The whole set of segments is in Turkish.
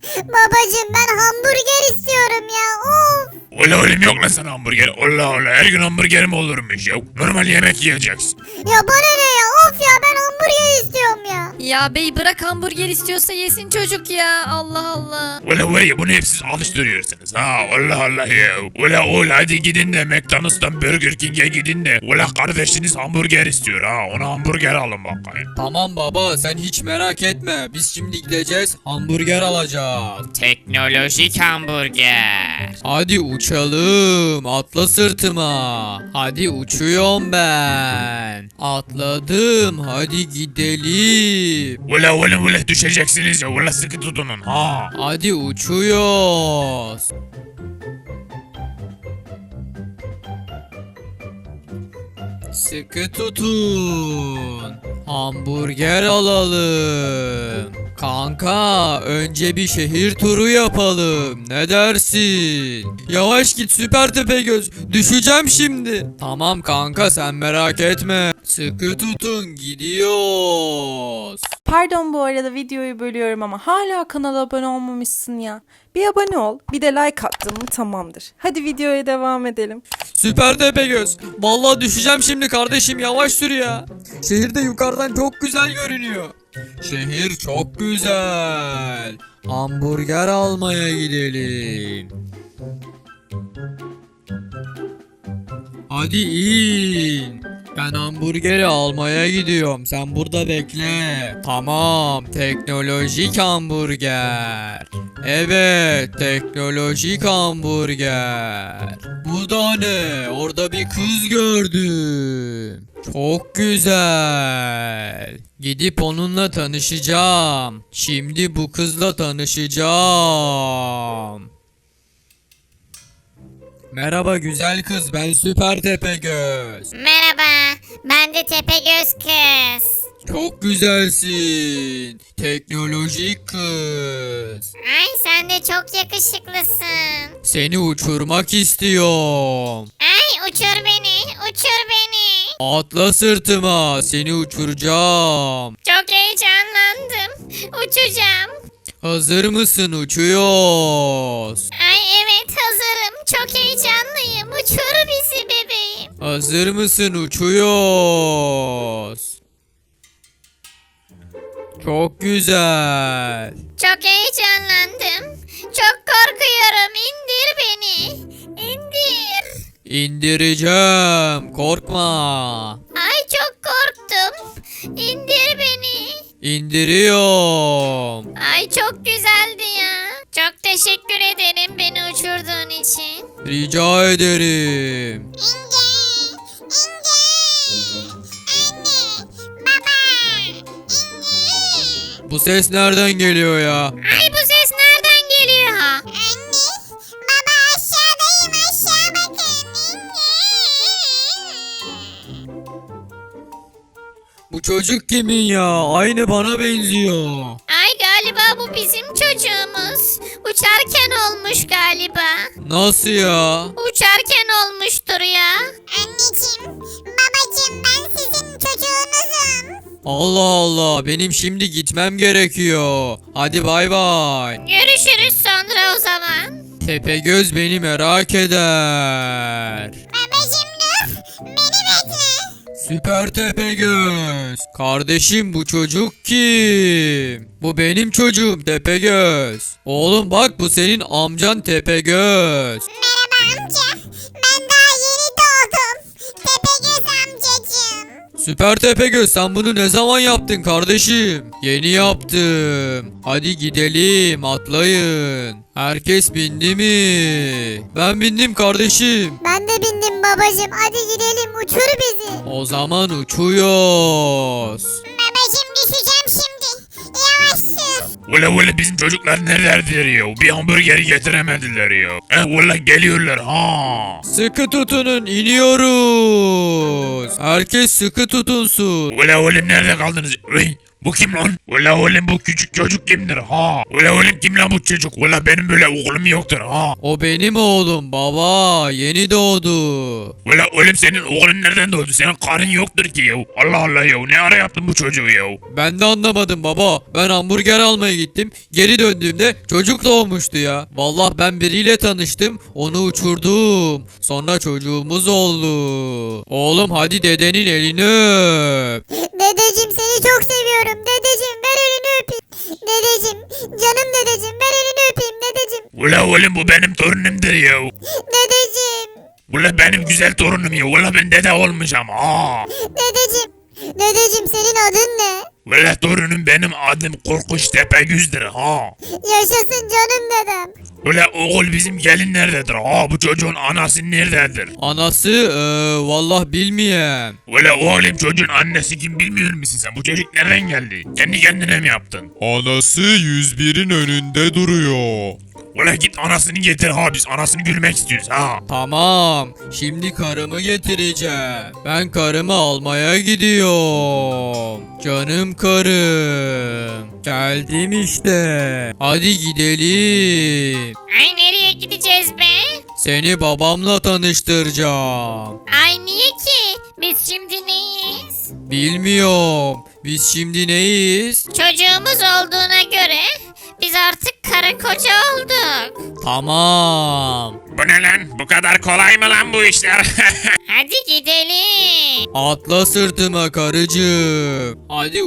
Babacım ben hamburger istiyorum ya. Of. Ola oğlum yok lan sana hamburger. Allah Allah her gün hamburger mi olurmuş ya? Normal yemek yiyeceksin. Ya bana ne ya? Of ya ben hamburger istiyorum ya. Ya bey bırak hamburger istiyorsa yesin çocuk ya. Allah Allah. Ola var ya bunu hep siz alıştırıyorsunuz ha. Allah Allah ya. Ola oğul hadi gidin de McDonald's'tan Burger King'e gidin de. Ola kardeşiniz hamburger istiyor ha. Ona hamburger alın bakayım. Tamam baba sen hiç merak etme. Biz şimdi gideceğiz hamburger alacağız. Teknolojik hamburger. Hadi uçalım. Atla sırtıma. Hadi uçuyorum ben. Atladım. Hadi gidelim. Ola oğlum ola düşeceksiniz ya. Ola sıkı tutunun ha. Hadi uçuyoruz. Sıkı tutun. Hamburger alalım. Kanka önce bir şehir turu yapalım. Ne dersin? Yavaş git Süper Tepegöz. Düşeceğim şimdi. Tamam kanka sen merak etme. Sıkı tutun gidiyoruz. Pardon bu arada videoyu bölüyorum ama hala kanala abone olmamışsın ya. Bir abone ol, bir de like attın mı tamamdır. Hadi videoya devam edelim. Süper Tepegöz. Vallahi düşeceğim şimdi kardeşim yavaş sür ya. Şehir de yukarıdan çok güzel görünüyor. Şehir çok güzel. Hamburger almaya gidelim. Hadi in. Ben hamburgeri almaya gidiyorum. Sen burada bekle. Tamam. Teknolojik hamburger. Evet. Teknolojik hamburger. Bu da ne? Orada bir kız gördüm. Çok güzel. Gidip onunla tanışacağım. Şimdi bu kızla tanışacağım. Merhaba güzel kız, ben Süper Tepegöz. Merhaba ben de Tepegöz kız. Çok güzelsin. Teknolojik kız. Ay sen de çok yakışıklısın. Seni uçurmak istiyorum. Ay uçur beni uçur beni. Atla sırtıma, seni uçuracağım. Çok heyecanlandım. Uçacağım. Hazır mısın? Uçuyoruz. Ay evet hazırım. Çok heyecanlıyım. Uçur bizi bebeğim. Hazır mısın? Uçuyoruz. Çok güzel. Çok heyecanlandım. Çok korkuyorum. İndir beni. İndir. İndireceğim. Korkma. Ay çok korktum. İndir beni. İndiriyorum. Ay çok güzeldi ya. Çok teşekkür ederim beni uçurduğun için. Rica ederim. İnce. Anne. Baba. Bu ses nereden geliyor ya? Ay bu ses nereden geliyor? Anne. Baba aşağıdayım aşağı bakın. Bu çocuk kimin ya? Aynı bana benziyor. Ay galiba bu bizim çocuğumuz. Uçarken olmuş galiba. Nasıl ya? Uçarken olmuştur ya. Anneciğim, babacığım ben sizin çocuğunuzum. Allah Allah, benim şimdi gitmem gerekiyor. Hadi bay bay. Görüşürüz sonra o zaman. Tepegöz beni merak eder. Babacığım dur, beni bekle. Süper Tepegöz. Kardeşim bu çocuk kim? Bu benim çocuğum Tepegöz. Oğlum bak bu senin amcan Tepegöz. Merhaba amca, ben daha yeni doğdum. Tepegöz amcacığım. Süper Tepegöz sen bunu ne zaman yaptın kardeşim? Yeni yaptım. Hadi gidelim atlayın. Herkes bindi mi? Ben bindim kardeşim. Ben de bindim babacığım, hadi gidelim uçur bizi. O zaman uçuyoruz. Babacığım düşeceğim şimdi. Yavaş sür. Ola ola bizim çocuklar nerededir ya? Bir hamburger getiremediler ya. Ola geliyorlar ha. Sıkı tutunun iniyoruz. Herkes sıkı tutunsun. Ola oğlum nerede kaldınız? Uy, Bu kim lan? Ula oğlum bu küçük çocuk kimdir ha? Ula oğlum kim lan bu çocuk? Ula benim böyle oğlum yoktur ha. O benim oğlum baba. Yeni doğdu. Ula oğlum senin oğlun nereden doğdu? Senin karın yoktur ki ya. Allah Allah ya. Ne ara yaptın bu çocuğu ya? Ben de anlamadım baba. Ben hamburger almaya gittim. Geri döndüğümde çocuk doğmuştu ya. Vallahi ben biriyle tanıştım. Onu uçurdum. Sonra çocuğumuz oldu. Oğlum hadi dedenin elini öp. Dedeciğim seni çok seviyorum. Dedeciğim ver elini öpeyim. Dedeciğim canım dedeciğim ver elini öpeyim dedeciğim. Ula oğlum bu benim torunumdur ya. Dedeciğim. Ula benim güzel torunum ya. Ula ben dede olmayacağım ha. Dedeciğim. Dedeciğim senin adın ne? Ula torunum benim adım Korkunç Tepegöz'dür ha. Yaşasın canım dedem. Ula oğul bizim gelin nerededir ha? Bu çocuğun anası nerededir? Anası vallahi bilmiyorum. Ula oğlum çocuğun annesi kim bilmiyor musun sen? Bu çocuk nereden geldi? Kendi kendine mi yaptın? Anası 101'in önünde duruyor. Ula git anasını getir ha, biz anasını gülmek istiyoruz ha. Tamam. Şimdi karımı getireceğim. Ben karımı almaya gidiyorum. Canım karım. Geldim işte. Hadi gidelim. Ay nereye gideceğiz be? Seni babamla tanıştıracağım. Ay niye ki? Biz şimdi neyiz? Bilmiyorum. Biz şimdi neyiz? Çocuğumuz olduğuna göre biz artık karı koca olduk. Tamam. Bu ne lan? Bu kadar kolay mı lan bu işler? Hadi gidelim. Atla sırtıma karıcığım. Hadi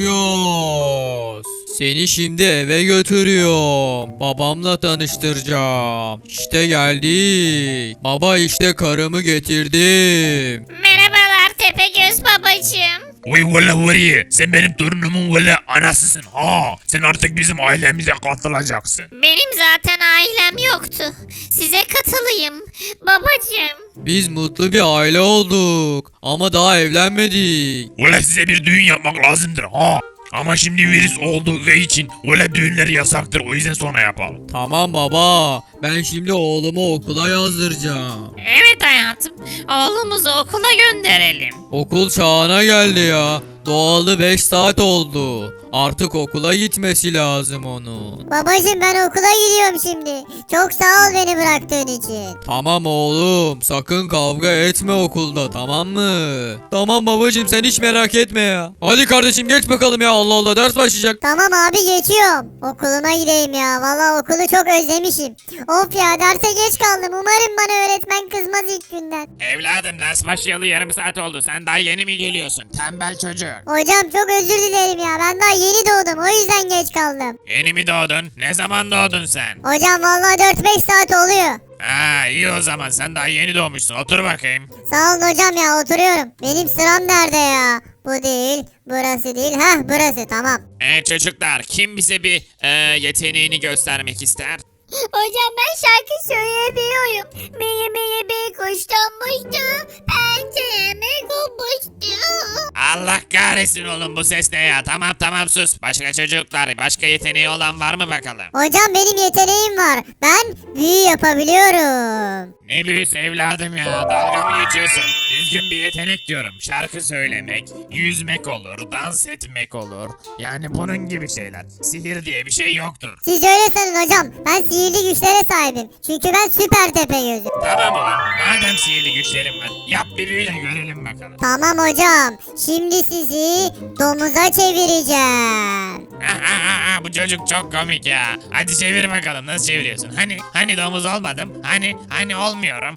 uçuyoruz. Seni şimdi eve götürüyorum. Babamla tanıştıracağım. İşte geldik. Baba işte karımı getirdim. Merhabalar Tepegöz babacığım. Uy valla var ya, sen benim torunumun valla anasısın ha. Sen artık bizim ailemize katılacaksın. Benim zaten ailem yoktu. Size katılayım babacığım. Biz mutlu bir aile olduk. Ama daha evlenmedik. Valla size bir düğün yapmak lazımdır ha. Ama şimdi virüs olduğu için valla düğünler yasaktır, o yüzden sonra yapalım. Tamam baba. Ben şimdi oğlumu okula yazdıracağım. Evet hayatım. Oğlumuzu okula gönderelim. Okul çağına geldi ya. Doğalı 5 saat oldu. Artık okula gitmesi lazım onun. Babacığım ben okula gidiyorum şimdi. Çok sağ ol beni bıraktığın için. Tamam oğlum, sakın kavga etme okulda, tamam mı? Tamam babacığım, sen hiç merak etme ya. Hadi kardeşim geç bakalım ya, Allah Allah, ders başlayacak. Tamam abi geçiyorum. Okuluma gideyim ya. Valla okulu çok özlemişim. Of ya derse geç kaldım. Umarım bana öğretmen kızmaz ilk günden. Evladım ders başlayalı yarım saat oldu, sen daha yeni mi geliyorsun tembel çocuk? Hocam çok özür dilerim ya. Ben daha yeni doğdum. O yüzden geç kaldım. Yeni mi doğdun? Ne zaman doğdun sen? Hocam valla 4-5 saat oluyor. Ha iyi o zaman, sen daha yeni doğmuşsun, otur bakayım. Sağ olun hocam ya oturuyorum. Benim sıram nerede ya? Bu değil. Burası değil. Heh burası tamam. Çocuklar kim bize bir yeteneğini göstermek ister? Hocam ben şarkı söyleyebiliyorum. Beni bir kuş donmuştu. Pencereme konmuştu. Allah kahretsin oğlum, bu ses ne ya? Tamam sus. Başka çocuklar, başka yeteneği olan var mı bakalım? Hocam benim yeteneğim var. Ben büyü yapabiliyorum. Ne büyüsü evladım ya, dalga mı geçiyorsun? Düzgün bir yetenek diyorum. Şarkı söylemek, yüzmek olur, dans etmek olur. Yani bunun gibi şeyler. Sihir diye bir şey yoktur. Siz öyle sanın hocam. Ben sihirli güçlere sahibim. Çünkü ben süper tepe gözüm. Tamam ulan, madem sihirli güçlerim var, yap bir büyü de görelim bakalım. Tamam hocam. Şimdi sizi domuza çevireceğim. Bu çocuk çok komik ya. Hadi çevir bakalım, nasıl çeviriyorsun? Hani domuz olmadım? Hani olmuyorum?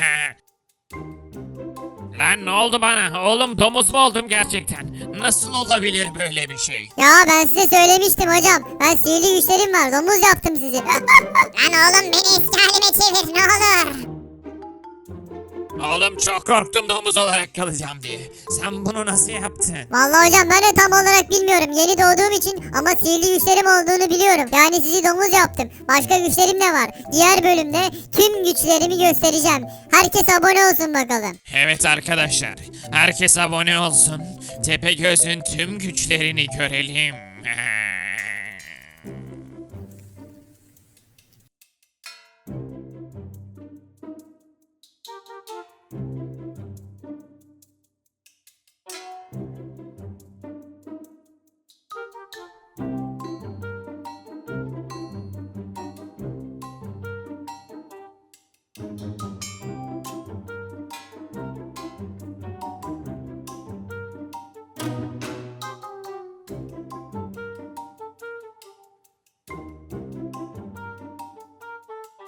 Lan ne oldu bana? Oğlum domuz mu oldum gerçekten? Nasıl olabilir böyle bir şey? Ya ben size söylemiştim hocam. Ben sihirli güçlerim var. Domuz yaptım sizi. Lan oğlum beni eski halime çevir ne olur. Oğlum çok korktum domuz olarak kalacağım diye. Sen bunu nasıl yaptın? Vallahi hocam ben de tam olarak bilmiyorum. Yeni doğduğum için ama sihirli güçlerim olduğunu biliyorum. Yani sizi domuz yaptım. Başka güçlerim de var. Diğer bölümde tüm güçlerimi göstereceğim. Herkes abone olsun bakalım. Evet arkadaşlar, herkes abone olsun. Tepegöz'ün tüm güçlerini görelim.